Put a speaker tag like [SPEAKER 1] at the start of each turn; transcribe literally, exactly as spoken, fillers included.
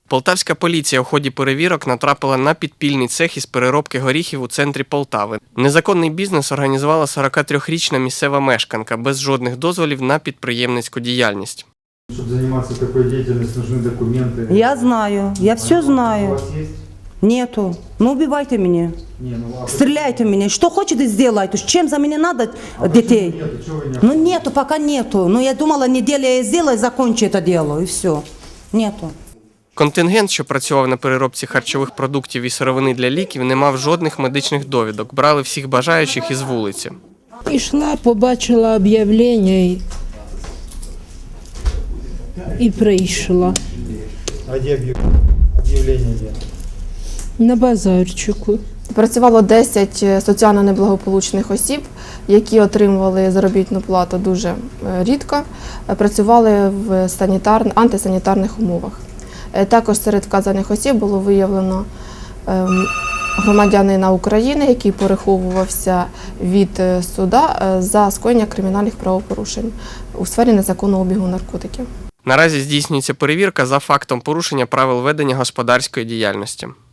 [SPEAKER 1] Полтавська поліція у ході перевірок натрапила на підпільний цех із переробки горіхів у центрі Полтави. Незаконний бізнес організувала сорокатрирічна місцева мешканка без жодних дозволів на підприємницьку діяльність.
[SPEAKER 2] Чтобы заниматься такой деятельностью, нужны документы.
[SPEAKER 3] Я знаю, я все
[SPEAKER 2] У
[SPEAKER 3] знаю.
[SPEAKER 2] вас есть?
[SPEAKER 3] Нету. Ну убивайте меня.
[SPEAKER 2] Не, ну а
[SPEAKER 3] Стреляйте в меня. Что хотите сделайте. Чем за меня надо
[SPEAKER 2] а
[SPEAKER 3] детей?
[SPEAKER 2] почему нету? Чего вы не...
[SPEAKER 3] Ну нету, пока нету. Ну я думала, неделя я сделаю, закончу это дело. И все. Нету.
[SPEAKER 1] Контингент, що працював на переробці харчових продуктів і сировини для ліків, не мав жодних медичних довідок. Брали всіх бажаючих із вулиці.
[SPEAKER 4] Ішла, побачила об'явлення і, і прийшла
[SPEAKER 2] А где объяв- объявление где?
[SPEAKER 4] на базарчику.
[SPEAKER 5] Працювало десять соціально неблагополучних осіб, які отримували заробітну плату дуже е, рідко, е, працювали в санітар... антисанітарних умовах. Е, Також серед вказаних осіб було виявлено ем, громадянина України, який переховувався від е, суда е, за скоєння кримінальних правопорушень у сфері незаконного обігу наркотиків.
[SPEAKER 1] Наразі здійснюється перевірка за фактом порушення правил ведення господарської діяльності.